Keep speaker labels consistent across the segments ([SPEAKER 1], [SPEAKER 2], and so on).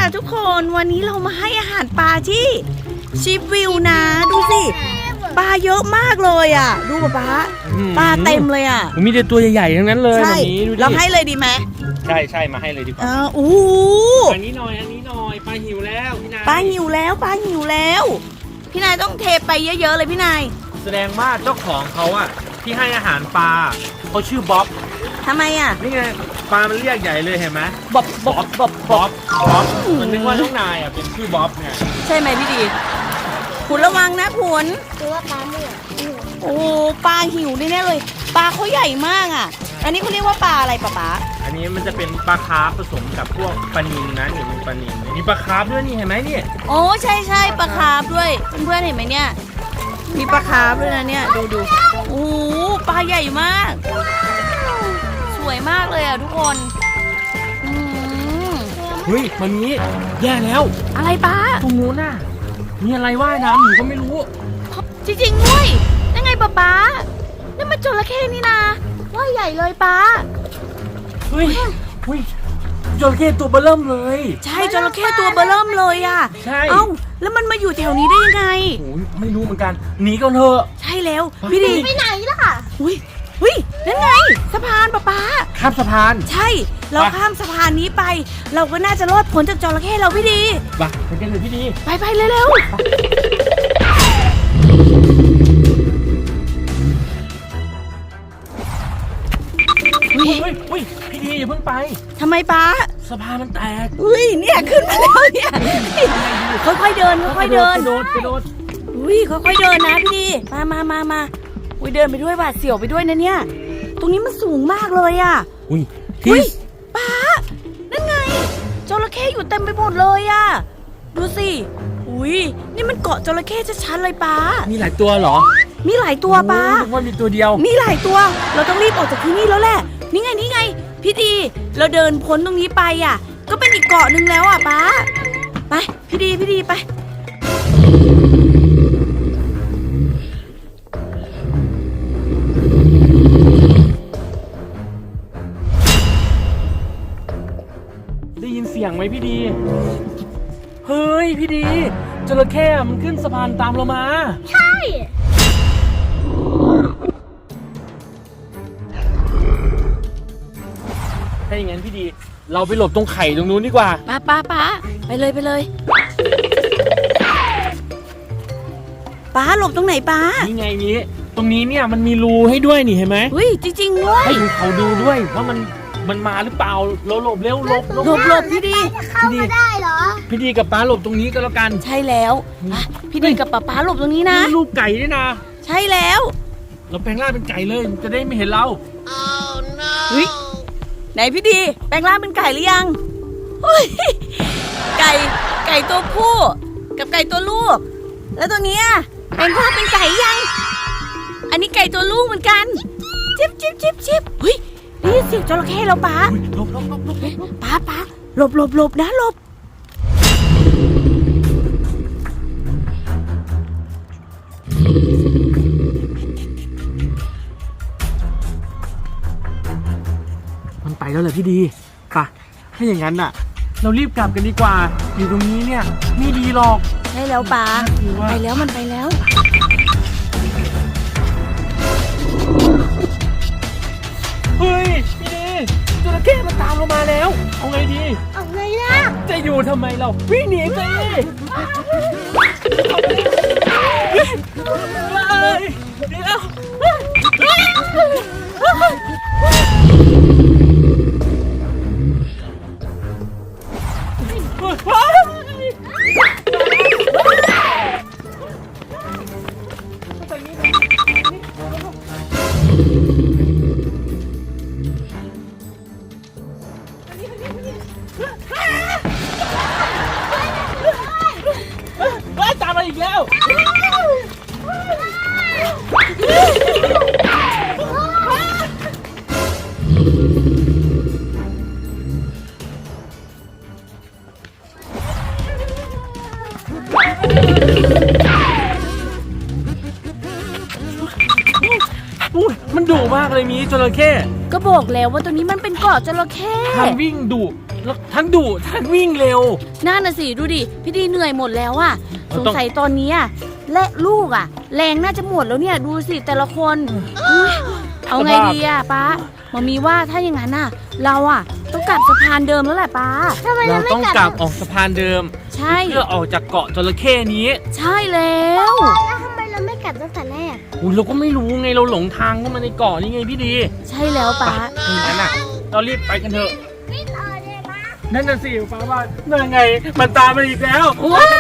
[SPEAKER 1] ค่ะทุกคนวันนี้เรามาให้อาหารปลาที่ชิปวิวนะดูสิปลาเยอะมากเลยอ่ะดูป๊าปลาเต็มเลยอ่ะ
[SPEAKER 2] มีแต่ตัวใหญ่ๆทั้งนั้นเลยแบบนี้
[SPEAKER 1] เราให้เลยดีไหม
[SPEAKER 2] ใช่มาให้เลยดีกว่า
[SPEAKER 1] โอ้
[SPEAKER 2] อันนี้หน่อยปลาหิวแล้วพี่นาย
[SPEAKER 1] ปลาหิวแล้วพี่นายต้องเทไปเยอะๆเลยพี่นาย
[SPEAKER 2] แสดงว่าเจ้าของเขาอะที่ให้อาหารปลาเขาชื่อบ๊อบ
[SPEAKER 1] ทำไมอ่ะ
[SPEAKER 2] นี่ไงปลามันเรียกใหญ่เลยเห็นไหม
[SPEAKER 1] บ๊อบ
[SPEAKER 2] มันนึกว่าน้องนายอะเป็นชื่อบ๊อบไง
[SPEAKER 1] ใช่ไหมพี่ดีขุนระวังนะขุน
[SPEAKER 3] คือว่าปลาเนี่ย
[SPEAKER 1] โอ้ปลาหิวแน่ๆเลยปลาเขาใหญ่มากอ่ะอันนี้เขาเรียกว่าปลาอะไรป๊า
[SPEAKER 2] อันนี้มันจะเป็นปลาคาร์ฟผสมกับพวกปลานิลนะนี่มีปลานิลมีปลาคาร์ฟด้วยนี่เห็นไหมนี่
[SPEAKER 1] โอ้ใช่ปลาคาร์ฟด้วยเพื่อนๆเห็นไหมเนี่ยมีปลาคาร์ฟด้วยนะเนี่ยดูโอ้ปลาใหญ่มากสวยมากเลยอ่ะทุกคน
[SPEAKER 2] เฮ้ยมันนี้แย่แล้ว
[SPEAKER 1] อะไรป้า
[SPEAKER 2] ตรงนู้นน่ะมีอะไรว่ายน้ำอยู่ก็ไม่รู้
[SPEAKER 1] จริงๆด้วยยังไงป้านี่มันจระเข้นี่นะว่ายใหญ่เลยป้า
[SPEAKER 2] เฮ้ยจระเข้ตัวเบอเริ่มเลย
[SPEAKER 1] ใช่จระเข้ตัวเบอเริ่มเลยอ่ะ
[SPEAKER 2] ใช่
[SPEAKER 1] เอ้าแล้วมันมาอยู่แถวนี้ได้ยังไง
[SPEAKER 2] โอ้ยไม่รู้เหมือนกันหนีกันเถอะ
[SPEAKER 1] ใช่แล้วพี่ดี
[SPEAKER 3] ไปไหนล่ะ
[SPEAKER 1] อุ้ยนั่นไงสะพานป้า
[SPEAKER 2] ข้ามสะพาน
[SPEAKER 1] ใช่เราข้ามสะพานนี้ไปเราก็น่าจะรอดพ้นจากจระเข้เราพี่ดี
[SPEAKER 2] ไปกันเลยพี่ดี
[SPEAKER 1] ไปเร็ว
[SPEAKER 2] พี่ดีอย่าเพิ่งไป
[SPEAKER 1] ทำไมป้า
[SPEAKER 2] สะพานมันแตก
[SPEAKER 1] เนี่ยขึ้นมาแล้วเนี่ยค่อยๆเดิน
[SPEAKER 2] กระโดด
[SPEAKER 1] ค่อยๆเดินนะพี่ดีมาเดินไปด้วยหวาดเสียวไปด้วยนะเนี่ยตรงนี้มันสูงมากเลยอ่ะป้านั่นไงจระเข้อยู่เต็มไปหมดเลยอ่ะดูสินี่มันเกาะจระเข้ชัดๆเลยป้า
[SPEAKER 2] มีหลายตัวเหรอ
[SPEAKER 1] มีหลายตัวป้า
[SPEAKER 2] ว่ามีตัวเดียว
[SPEAKER 1] มีหลายตัวเราต้องรีบออกจากที่นี่แล้วแหละนี่ไงพี่ดีเราเดินพ้นตรงนี้ไปอ่ะก็เป็นอีกเกาะนึงแล้วอ่ะป้าไปพี่ดีไป
[SPEAKER 2] ได้ยินเสียงไหมพี่ดีเฮ้ยพี่ดีจระเข้มันขึ้นสะพานตามเรามา
[SPEAKER 3] ใช่
[SPEAKER 2] ถ้าอย่างนั้นพี่ดีเราไปหลบตรงไข่ตรงนู้นดีกว่า
[SPEAKER 1] ป้าไปเลยป้าหลบตรงไหนป้า
[SPEAKER 2] นี่ไงนี้ตรงนี้เนี่ยมันมีรูให้ด้วยนี่เห็นไหม
[SPEAKER 1] จริงๆด้วย
[SPEAKER 2] ให้เขาดูด้วยว่ามันมาหรือเปล่าเราหลบเร็วหลบ
[SPEAKER 1] พี่ดี
[SPEAKER 3] เข้ามาได้เหรอ
[SPEAKER 2] พี่ดีกับป้าหลบตรงนี้ก็แล้วกัน
[SPEAKER 1] ใช่แล้วพี่ดีกับป้าหลบตรงนี้นะ
[SPEAKER 2] รูปไก่ด้วยนะ
[SPEAKER 1] ใช่แล้ว
[SPEAKER 2] เราแปลงร่างเป็นไก่เลยจะได้ไม่เห็นเรา
[SPEAKER 1] ไหนพี่ดีแปลงร่างเป็นไก่หรือยังไก่ตัวผู้กับไก่ตัวลูกแล้วตัวนี้แปลงร่างเป็นไก่ยังอันนี้ไก่ตัวลูกเหมือนกันจิ๊บได้ยินเสียงจระเข้แล้วป้า
[SPEAKER 2] หลบ
[SPEAKER 1] ป้าหลบนะหลบ
[SPEAKER 2] มันไปแล้วเหรอพี่ดีป่ะถ้าอย่างนั้นน่ะเรารีบกลับกันดีกว่าอยู่ตรงนี้เนี่ยไม่ดีหรอก
[SPEAKER 1] ใช่แล้วป้าไปแล้วมันไปแล้ว
[SPEAKER 2] เฮ้ยพี่ดีจระเข้มันตามเรามาแล้วเอาไงดี
[SPEAKER 3] เอาไงล่ะ
[SPEAKER 2] จะอยู่ทำไมเราวิ่งหนีไปเดี๋ยวตามมาอีกแล้วมันดุมากเลยมีจระเข้
[SPEAKER 1] ก็บอกแล้วว่าตัวนี้มันเป็นเกาะจระเข้
[SPEAKER 2] ทางวิ่งดุแล้วทั้งดุทั้งวิ่งเร็ว
[SPEAKER 1] นั่นน่ะสิดูดิพี่ดีเหนื่อยหมดแล้วอะ
[SPEAKER 2] เรา
[SPEAKER 1] สง
[SPEAKER 2] ต้อง
[SPEAKER 1] สัยตอนนี้อะและลูกอะแรงน่าจะหมดแล้วเนี่ยดูสิแต่ละคนอุ๊ยเอาไงดีอะป้ามามีว่าถ้าอย่างนั้นอะเราอะต้องกลับสะพานเดิมแล้วแหละป้า
[SPEAKER 3] ทำไม
[SPEAKER 2] เรา
[SPEAKER 3] เราไม่
[SPEAKER 2] ต้อง
[SPEAKER 3] กลับ
[SPEAKER 2] กลับออกสะพานเดิม
[SPEAKER 1] ใช่
[SPEAKER 2] เพื่อออกจากเกาะจระเข้นี้
[SPEAKER 1] ใช่แล้ว
[SPEAKER 3] แล้วทำไมเราไม่กลับตั้งแต่แรก
[SPEAKER 2] อุ้ยเราก็ไม่รู้ไงเราหลงทางเข้ามาในเกาะนี่ไงพี่ดี
[SPEAKER 1] ใช่แล้วป้า
[SPEAKER 2] ถ้าอย่างนั้นอ่ะ เรารีบไปกันเถอะ
[SPEAKER 3] ไม่ต่อเลยนะ
[SPEAKER 2] นั่นน่ะสิป้าว่านั่นไงมันตามมาอีกแล้ว
[SPEAKER 1] ว้าว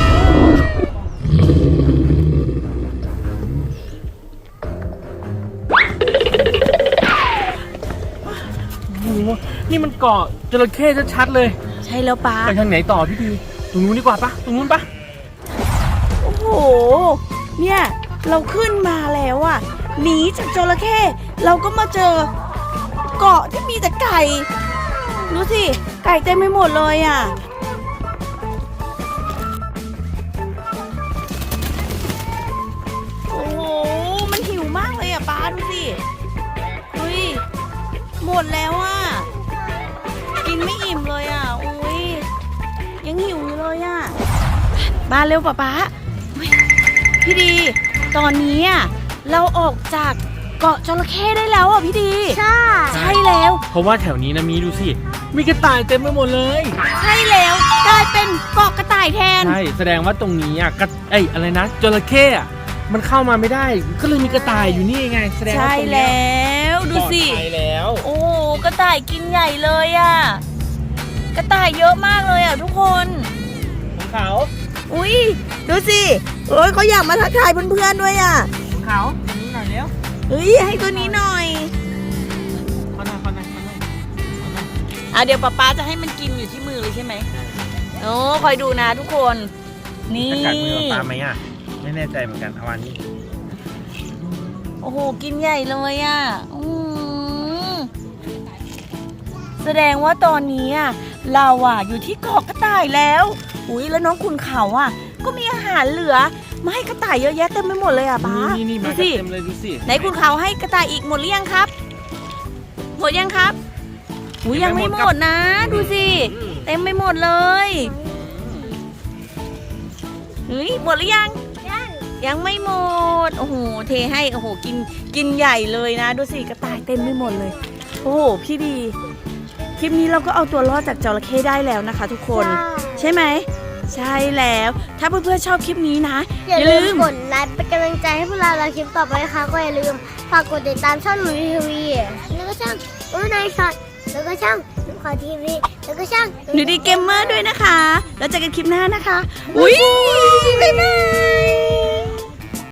[SPEAKER 2] โอ้โหนี่มันเกาะจระเข้ชัดๆเลย
[SPEAKER 1] ใช่แล้วป้า
[SPEAKER 2] ไปทางไหนต่อพี่ดีตรงนู้นดีกว่าปะตรงนู้นปะ
[SPEAKER 1] โอ้โหเนี่ยเราขึ้นมาแล้วอะหนีจากจระเข้เราก็มาเจอเกาะที่มีแต่ไก่ดูสิไก่เต็มไปหมดเลยอะโอ้โหมันหิวมากเลยอะป้าดูสิเฮ้ยหมดแล้วอะกินไม่อิ่มเลยอะอุ้ยยังหิวอยู่เลยอะมาเร็วป๊าเฮ้ยพี่ดี ตอนนี้อะเราออกจากเกาะจระเข้ได้แล้วอ่ะพี่ดี
[SPEAKER 3] ใช่
[SPEAKER 1] ใช่แล้ว
[SPEAKER 2] เพราะว่าแถวนี้นะมีดูสิมีกระต่ายเต็มไปหมดเลย
[SPEAKER 1] ใช่แล้วกลายเป็นเกาะกระต่ายแทน
[SPEAKER 2] ใช่แสดงว่าตรงนี้อ่ะอะไรนะจระเข้อ่ะมันเข้ามาไม่ได้ ก็เลยมีกระต่ายอยู่นี่ไงแสดงว่า
[SPEAKER 1] ใช่
[SPEAKER 2] ตรงเนี้ย
[SPEAKER 1] แล้วดูสิ
[SPEAKER 2] ปลอดภัยแล้ว
[SPEAKER 1] โอ้กระต่ายกินใหญ่เลยอ่ะกระต่ายเยอะมากเลยอ่ะทุกคน
[SPEAKER 2] ของเขา
[SPEAKER 1] อุ้ยดูสิโอ้ยเขาอยากมาทักทายเพื่อนๆด้วยอ่ะ
[SPEAKER 2] ของเขาตรงนี้หน่อยเร็ว
[SPEAKER 1] เฮ้ยให้ตัวนี้หน่อย
[SPEAKER 2] ขอหน่อยขอหน่อยขอหน่อยขอหน่อย
[SPEAKER 1] เดี๋ยวป๊าจะให้มันกินอยู่ที่มือเลยใช่ไหมโอ้คอยดูนะทุกคน นี่
[SPEAKER 2] จะกัดมือปลาไหมอ่ะไม่แน่ใจเหมือนกันเอาอันนี้
[SPEAKER 1] โอ้โห กินใหญ่เลยอ่ะแสดงว่าตอนนี้อ่ะเราอ่ะอยู่ที่เกาะกระต่ายแล้วอุ้ยแล้วน้องคุณเขาอ่ะ ก็มีอาหารเหลือมาให้กระต่ายเยอะแยะเต็มไปหมดเลยอ่ะป้า
[SPEAKER 2] นี่
[SPEAKER 1] ดู
[SPEAKER 2] มากัน
[SPEAKER 1] สิ
[SPEAKER 2] เต็มเลยดูสิ
[SPEAKER 1] ไหนคุณเขาให้กระต่ายอีกหมดหรือยังครับ หมดยังครับอุ้ยยังไม่หมดนะ ดูสิ เต็มไปหมดเลยเฮ้ยหมดหรือยัง ยังไม่หมด โอ้โห เทให้ โอ้โห กินใหญ่เลยนะ ดูสิ กระต่ายเต็มไปหมดเลย โอ้โห พี่ดี คลิปนี้เราก็เอาตัวรอดจากจระเข้ได้แล้วนะคะ ทุกคน ใช่ไหม ใช่แล้ว ถ้าเพื่อนๆชอบคลิปนี้นะ
[SPEAKER 3] อย่าลืมกดไลค์เป็นกำลังใจให้พวกเราคลิปต่อไปนะคะก็อย่าลืมฝากกดติดตามช่องหนูทีวีแล้วก็ช่องนายช็อตแล้วก็ช่องหนูขอทีวีแล้วก็ช่อง
[SPEAKER 1] หนูดีเกมเมอร์ด้วยนะคะ แล้วเจอกันคลิปหน้านะคะ อุ้ยบ๊ายบาย